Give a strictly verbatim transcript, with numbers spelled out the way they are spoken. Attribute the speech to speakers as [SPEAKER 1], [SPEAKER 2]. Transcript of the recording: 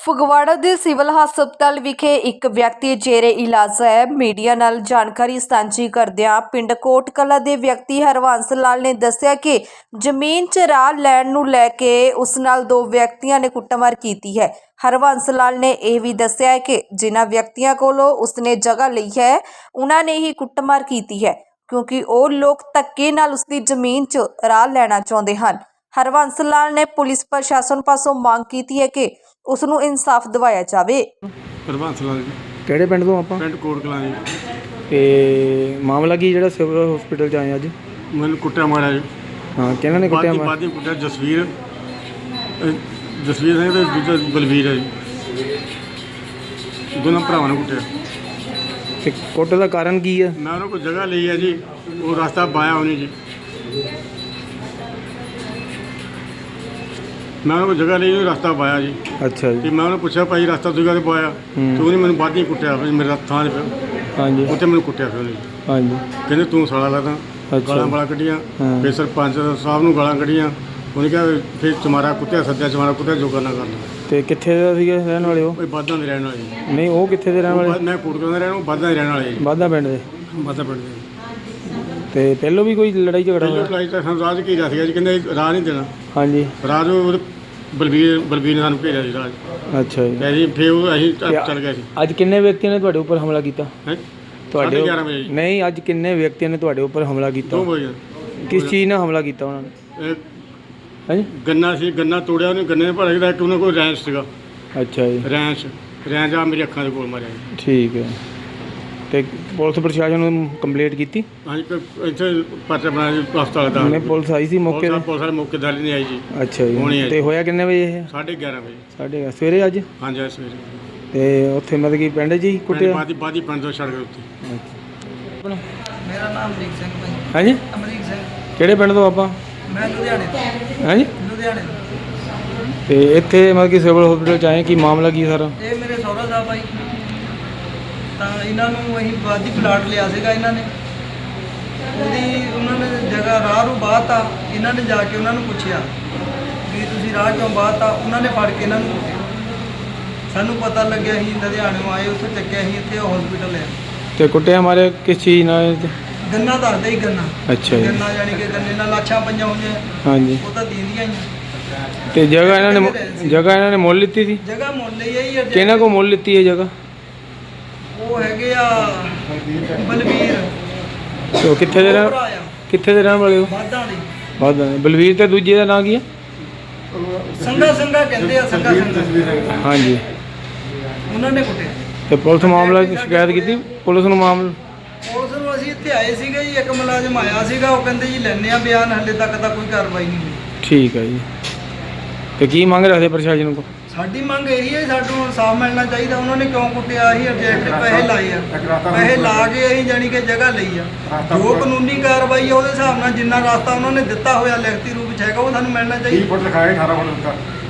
[SPEAKER 1] ਫਗਵਾੜਾ ਦੇ ਸਿਵਲ ਹਸਪਤਾਲ ਵਿਖੇ ਇੱਕ ਵਿਅਕਤੀ ਜੇਰੇ ਇਲਾਜ ਹੈ। ਮੀਡੀਆ ਨਾਲ ਜਾਣਕਾਰੀ ਸਾਂਝੀ ਕਰਦਿਆਂ ਪਿੰਡ ਕੋਟ ਕਲਾਂ ਦੇ ਵਿਅਕਤੀ ਹਰਵੰਸ ਲਾਲ ਨੇ ਦੱਸਿਆ ਕਿ ਜ਼ਮੀਨ 'ਚ ਰਾਹ ਲੈਣ ਨੂੰ ਲੈ ਕੇ ਉਸ ਨਾਲ ਦੋ ਵਿਅਕਤੀਆਂ ਨੇ ਕੁੱਟਮਾਰ ਕੀਤੀ ਹੈ। ਹਰਵੰਸ ਲਾਲ ਨੇ ਇਹ ਵੀ ਦੱਸਿਆ ਹੈ ਕਿ ਜਿਨ੍ਹਾਂ ਵਿਅਕਤੀਆਂ ਕੋਲੋਂ ਉਸਨੇ ਜਗ੍ਹਾ ਲਈ ਹੈ ਉਹਨਾਂ ਨੇ ਹੀ ਕੁੱਟਮਾਰ ਕੀਤੀ ਹੈ, ਕਿਉਂਕਿ ਉਹ ਲੋਕ ਧੱਕੇ ਨਾਲ ਉਸਦੀ ਜ਼ਮੀਨ 'ਚ ਰਾਹ ਲੈਣਾ ਚਾਹੁੰਦੇ ਹਨ। ਹਰਵੰਸ ਲਾਲ ਨੇ ਪੁਲਿਸ ਪ੍ਰਸ਼ਾਸਨ ਪਾਸੋਂ ਮੰਗ ਕੀਤੀ ਹੈ ਕਿ ਉਸ ਨੂੰ ਇਨਸਾਫ ਦਿਵਾਇਆ ਜਾਵੇ।
[SPEAKER 2] ਹਰਵੰਸ ਲਾਲ ਜੀ,
[SPEAKER 3] ਕਿਹੜੇ ਪਿੰਡ ਤੋਂ ਆਪਾਂ?
[SPEAKER 2] ਪਿੰਡ ਕੋਟ ਕਲਾਂ ਜੀ।
[SPEAKER 3] ਤੇ ਮਾਮਲਾ ਕੀ ਜਿਹੜਾ ਸਿਵਲ ਹਸਪੀਟਲ 'ਚ ਆਏ ਅੱਜ?
[SPEAKER 2] ਮੈਨੂੰ ਕੁੱਟਿਆ ਮਾਰਿਆ ਜੀ।
[SPEAKER 3] ਹਾਂ, ਕਿਹਨਾਂ ਨੇ ਕੁੱਟਿਆ?
[SPEAKER 2] ਬਾਦੀ ਬਾਦੀ ਕੁੱਟਿਆ ਜਸਵੀਰ ਅਹ ਜਸਵੀਰ ਸਿੰਘ ਤੇ ਦੂਜਾ ਬਲਵੀਰ ਹੈ ਜੀ। ਦੋਨਾਂ ਭਰਾਵਾਂ ਨੂੰ ਕੁੱਟਿਆ।
[SPEAKER 3] ਤੇ ਕੁੱਟ ਦਾ ਕਾਰਨ ਕੀ ਆ?
[SPEAKER 2] ਮੈਂ ਉਹਨਾਂ ਕੋਲ ਜਗ੍ਹਾ ਲਈ ਹੈ ਜੀ, ਉਹ ਰਸਤਾ ਪਾਇਆ ਉਹਨੇ ਜੀ। ਮੈਂ ਉਹਨਾਂ ਕੋਲ ਜਗ੍ਹਾ ਲਈ ਉਹ ਰਸਤਾ ਪਾਇਆ ਜੀ।
[SPEAKER 3] ਅੱਛਾ
[SPEAKER 2] ਤੇ
[SPEAKER 3] ਜੀ।
[SPEAKER 2] ਮੈਂ ਉਹਨੂੰ ਪੁੱਛਿਆ ਭਾਈ ਰਸਤਾ ਤੁਸੀਂ ਕਾਹਦੇ ਪਾਇਆ? ਤੇ ਉਹਨੇ ਮੈਨੂੰ ਬਾਦੀ ਕੁੱਟਿਆ, ਫਿਰ ਮੇਰੇ ਥਾਂ 'ਤੇ ਫਿਰ
[SPEAKER 3] ਹਾਂਜੀ
[SPEAKER 2] ਉੱਥੇ ਮੈਨੂੰ ਕੁੱਟਿਆ ਫਿਰ ਉਹਨੇ।
[SPEAKER 3] ਹਾਂਜੀ।
[SPEAKER 2] ਕਹਿੰਦੇ ਤੂੰ ਸਾਲਾ ਲੱਗਦਾ।
[SPEAKER 3] ਅੱਛਾ।
[SPEAKER 2] ਗਾਲਾਂ ਵਾਲਾ ਕੱਢੀਆਂ।
[SPEAKER 3] ਹਾਂ।
[SPEAKER 2] ਫਿਰ ਸਰਪੰਚ ਸਾਹਿਬ ਨੂੰ ਗਾਲਾਂ ਕੱਢੀਆਂ। ਉਹਨੇ ਕਿਹਾ ਫਿਰ ਚਮਾਰਾ ਕੁੱਤਿਆ ਸੱਦਿਆ, ਚਮਾਰਾ ਕੁੱਤਿਆ ਜੋ ਕਰਨਾ ਕਰਨਾ।
[SPEAKER 3] ਤੇ ਕਿੱਥੇ ਦਾ ਸੀਗੇ ਰਹਿਣ ਵਾਲੇ ਉਹ?
[SPEAKER 2] ਉਹ ਬਾਦਾਂ ਦੇ ਰਹਿਣ ਵਾਲੇ ਜੀ।
[SPEAKER 3] ਨਹੀਂ, ਉਹ ਕਿੱਥੇ ਦੇ ਰਹਿਣ ਵਾਲੇ?
[SPEAKER 2] ਮੈਂ ਕੋਟਕਲਾਂ ਦਾ ਰਹਿਣ ਵਾਲਾ, ਬਾਦਾਂ ਦੇ ਰਹਿਣ ਵਾਲੇ ਜੀ।
[SPEAKER 3] ਬਾਦਾ ਪਿੰਡ ਦੇ?
[SPEAKER 2] ਬਾਦਾਂ ਪਿੰਡ ਦੇ।
[SPEAKER 3] ਤੇ ਪਹਿਲੋਂ ਵੀ ਕੋਈ ਲੜਾਈ ਝਗੜਾ
[SPEAKER 2] ਪਹਿਲਾਂ
[SPEAKER 3] ਹੋਇਆ?
[SPEAKER 2] ਅਪਲਾਈ ਤਾਂ ਸਾਨੂੰ ਰਾਜ ਕੀ ਸੀਗਾ ਜੀ, ਕਹਿੰਦੇ ਰਾਹ ਨਹੀਂ ਦੇਣਾ।
[SPEAKER 3] ਹਾਂਜੀ।
[SPEAKER 2] ਰਾਜ ਉਹ ਬਲਬੀਰ ਬਲਬੀਰ ਨੇ ਸਾਨੂੰ ਭੇਜਿਆ ਸੀ ਰਾਜ।
[SPEAKER 3] ਅੱਛਾ ਜੀ।
[SPEAKER 2] ਤੇ ਅਸੀਂ ਫਿਰ ਉਹ ਅਸੀਂ ਚ- ਚੱਲ ਗਏ ਸੀ।
[SPEAKER 3] ਅੱਜ ਕਿੰਨੇ ਵਿਅਕਤੀਆਂ ਨੇ ਤੁਹਾਡੇ ਉੱਪਰ ਹਮਲਾ ਕੀਤਾ?
[SPEAKER 2] ਹੈਂ
[SPEAKER 3] ਤੁਹਾਡੇ
[SPEAKER 2] ਗਿਆਰਾਂ ਵਜੇ ਜੀ।
[SPEAKER 3] ਨਹੀਂ, ਅੱਜ ਕਿੰਨੇ ਵਿਅਕਤੀਆਂ ਨੇ ਤੁਹਾਡੇ ਉੱਪਰ ਹਮਲਾ ਕੀਤਾ?
[SPEAKER 2] ਦੋ ਵਜੇ
[SPEAKER 3] ਕਿਸ ਚੀਜ਼ ਨਾਲ ਹਮਲਾ ਕੀਤਾ ਉਹਨਾਂ ਨੇ?
[SPEAKER 2] ਇਹ
[SPEAKER 3] ਹਾਂਜੀ।
[SPEAKER 2] ਗੰਨਾ ਸੀ, ਗੰਨਾ ਤੋੜਿਆ ਉਹਨੇ, ਗੰਨੇ ਨੇ ਭਰ ਕੇ ਇੱਕ ਉਹਨਾਂ ਕੋਲ ਰੈਂਚ ਸੀਗਾ।
[SPEAKER 3] ਅੱਛਾ ਜੀ।
[SPEAKER 2] ਰੈਂਚ ਰੈਂਚ ਆ ਮੇਰੀ ਅੱਖਾਂ ਦੇ ਕੋਲ ਮਾਰਿਆ ਜੀ।
[SPEAKER 3] ਠੀਕ ਹੈ। ਤੇ ਪੁਲਿਸ ਪ੍ਰਸ਼ਾਸਨ ਨੂੰ ਕੰਪਲੇਂਟ ਕੀਤੀ?
[SPEAKER 2] ਹਾਂਜੀ ਕ- ਇੱਥੇ ਪਰਚਾ ਬਣਾਇਆ ਜੀ ਹਸਪਤਾਲ ਦਾ।
[SPEAKER 3] ਨਹੀਂ, ਪੁਲਿਸ ਆਈ ਸੀ ਮੌਕੇ ਤੇ?
[SPEAKER 2] ਪੁਲਿਸ ਵਾਲੇ ਮੌਕੇ ਤੇ ਨਹੀਂ ਆਈ ਜੀ।
[SPEAKER 3] ਅੱਛਾ
[SPEAKER 2] ਹੋਣੀ
[SPEAKER 3] ਜੀ।
[SPEAKER 2] ਹੈ
[SPEAKER 3] ਤੇ ਹੋਇਆ ਕਿੰਨੇ ਵਜੇ ਇਹ?
[SPEAKER 2] ਸਾਢੇ ਗਿਆਰਾਂ ਵਜੇ।
[SPEAKER 3] ਸਾਢੇ ਸਵੇਰੇ ਅੱਜ?
[SPEAKER 2] ਹਾਂਜੀ ਅੱਜ ਸਵੇਰੇ।
[SPEAKER 3] ਤੇ ਉੱਥੇ ਮਤਲਬ ਕਿ ਪਿੰਡ 'ਚ ਹੀ ਕੁੱਟਿਆ?
[SPEAKER 2] ਬਾਦੀ ਬਾਦੀ ਪਿੰਡ ਤੋਂ ਸੜਕ ਉੱਤੇ।
[SPEAKER 3] ਆਪਣਾ
[SPEAKER 4] ਮੇਰਾ ਨਾਮ ਅਮਰੀਕ ਸਿੰਘ ਭਾਈ।
[SPEAKER 3] ਹਾਂਜੀ।
[SPEAKER 4] ਅਮਰੀਕ ਸਿੰਘ।
[SPEAKER 3] ਕਿਹੜੇ ਪਿੰਡ ਤੋਂ ਆਪਾਂ?
[SPEAKER 4] ਮੈਂ ਲੁਧਿਆਣੇ ਤੋਂ।
[SPEAKER 3] ਹਾਂਜੀ।
[SPEAKER 4] ਲੁਧਿਆਣੇ ਤੋਂ।
[SPEAKER 3] ਤੇ ਇੱਥੇ ਮਤਲਬ ਕਿ ਸਿਵਲ ਹਸਪੀਟਲ 'ਚ ਆਏ, ਕੀ ਮਾਮਲਾ ਕੀ ਸਾਰਾ?
[SPEAKER 4] ਇਹ ਮੇਰੇ ਸਹੁਰਾ ਸਾਹਿਬ ਭਾਈ, ਤਾਂ ਇਹਨਾਂ ਨੂੰ ਅਸੀਂ ਬਾਦੀ ਪਲਾਟ ਲਿਆ ਸੀਗਾ ਇਹਨਾਂ ਨੇ। ਉਹਦੀ ਉਹਨਾਂ ਨੇ ਜਗ੍ਹਾ ਰਾਹ ਨੂੰ ਬਾਹਤਾ। ਇਹਨਾਂ ਨੇ ਜਾ ਕੇ ਉਹਨਾਂ ਨੂੰ ਪੁੱਛਿਆ ਵੀ ਤੁਸੀਂ ਰਾਹ ਕਿਉਂ ਬਾਹਤਾ? ਉਹਨਾਂ ਨੇ ਫੜ ਕੇ ਇਹਨਾਂ ਨੂੰ ਕੁੱਟਿਆ। ਸਾਨੂੰ ਪਤਾ ਲੱਗਿਆ ਅਸੀਂ ਲੁਧਿਆਣਿਓਂ ਆਏ, ਉੱਥੇ ਚੱਕਿਆ ਅਸੀਂ ਇੱਥੇ ਹਸਪੀਟਲ ਹੈ।
[SPEAKER 3] ਤੇ ਕੁੱਟਿਆ ਮਾਰਿਆ ਕਿਸ ਚੀਜ਼ ਨਾਲ?
[SPEAKER 4] ਗੰਨਾ ਦੱਸਦੇ ਹੀ ਗੰਨਾ।
[SPEAKER 3] ਅੱਛਾ ਜੀ।
[SPEAKER 4] ਗੰਨਾ ਯਾਨੀ ਕਿ ਗੰਨੇ ਨਾਲ ਲਾਛਾਂ ਪਈਆਂ ਹੋਈਆਂ,
[SPEAKER 3] ਹਾਂਜੀ।
[SPEAKER 4] ਉਹ ਤਾਂ ਦੀਂਦੀਆਂ ਹੀ ਆ।
[SPEAKER 3] ਤੇ ਜਗ੍ਹਾ ਇਹਨਾਂ ਨੇ ਮੁ- ਜਗ੍ਹਾ ਇਹਨਾਂ ਨੇ ਮੁੱਲ ਲਿੱਤੀ ਸੀ?
[SPEAKER 4] ਜਗ੍ਹਾ ਮੁੱਲ ਲਈ ਆਈ ਹੈ।
[SPEAKER 3] ਕਿਹਨਾਂ ਕੋਲ ਮੁੱਲ ਲਿੱਤੀ ਹੈ ਜਗ੍ਹਾ?
[SPEAKER 4] ਉਹ ਹੈਗੇ ਆ ਬਲਵੀਰ।
[SPEAKER 3] ਤੇ ਉਹ ਕਿੱਥੇ ਦੇ ਰਹਿਣ
[SPEAKER 4] ਭਰਾ ਆ,
[SPEAKER 3] ਕਿੱਥੇ ਦੇ ਰਹਿਣ ਵਾਲੇ ਹੋ?
[SPEAKER 4] ਬਾਦਾਂ ਦੇ।
[SPEAKER 3] ਬਾਦਾ ਦੇ। ਬਲਵੀਰ ਤੇ ਦੂਜੇ ਦਾ ਨਾਂ ਕੀ ਹੈ?
[SPEAKER 4] ਸੰਗਾ ਸੰਗਾ ਕਹਿੰਦੇ ਆ, ਸੰਗਾ ਸੰਗਾ।
[SPEAKER 3] ਹਾਂਜੀ।
[SPEAKER 4] ਉਹਨਾਂ ਨੇ ਕੁੱਟਿਆ।
[SPEAKER 3] ਤੇ ਪੁਲਿਸ ਮਾਮਲਾ ਦੀ ਸ਼ਿਕਾਇਤ ਕੀਤੀ? ਪੁਲਿਸ ਨੂੰ ਮਾਮਲਾ?
[SPEAKER 4] ਪੁਲਿਸ ਨੂੰ ਅਸੀਂ ਇੱਥੇ ਆਏ ਸੀਗੇ ਜੀ, ਇੱਕ ਮੁਲਾਜ਼ਮ ਆਇਆ ਸੀਗਾ, ਉਹ ਕਹਿੰਦੇ ਜੀ ਲੈਣੇ ਆ ਬਿਆਨ, ਹਲੇ ਤੱਕ ਤਾਂ ਕੋਈ ਕਾਰਵਾਈ ਨਹੀਂ ਹੋਈ।
[SPEAKER 3] ਠੀਕ ਹੈ ਜੀ। ਤੇ ਕੀ ਮੰਗ ਰੱਖਦੇ ਪ੍ਰਸ਼ਾਸਨ ਕੋਲ?
[SPEAKER 4] ਸਾਡੀ ਮੰਗ ਇਹੀ ਹੈ, ਸਾਨੂੰ ਇਨਸਾਫ ਮਿਲਣਾ ਚਾਹੀਦਾ। ਉਹਨਾਂ ਨੇ ਕਿਉਂ ਕੁੱਟਿਆ? ਅਸੀਂ ਅਬਜੈਕਟ ਪੈਸੇ ਲਾਏ ਆ, ਪੈਸੇ ਲਾ ਕੇ ਅਸੀਂ ਜਾਣੀ ਕਿ ਜਗ੍ਹਾ ਲਈ ਆ। ਜੋ ਕਾਨੂੰਨੀ ਕਾਰਵਾਈ ਆ ਉਹਦੇ ਹਿਸਾਬ ਨਾਲ ਜਿੰਨਾ ਰਸਤਾ ਉਹਨਾਂ ਨੇ ਦਿੱਤਾ ਹੋਇਆ ਲਿਖਤੀ ਰੂਪ ਵਿੱਚ ਹੈਗਾ, ਉਹ ਸਾਨੂੰ ਮਿਲਣਾ ਚਾਹੀਦਾ।
[SPEAKER 2] ਫੁੱਟ ਲਿਖਾਏ ਅਠਾਰਾਂ ਫੁੱਟ ਦਿੱਤਾ।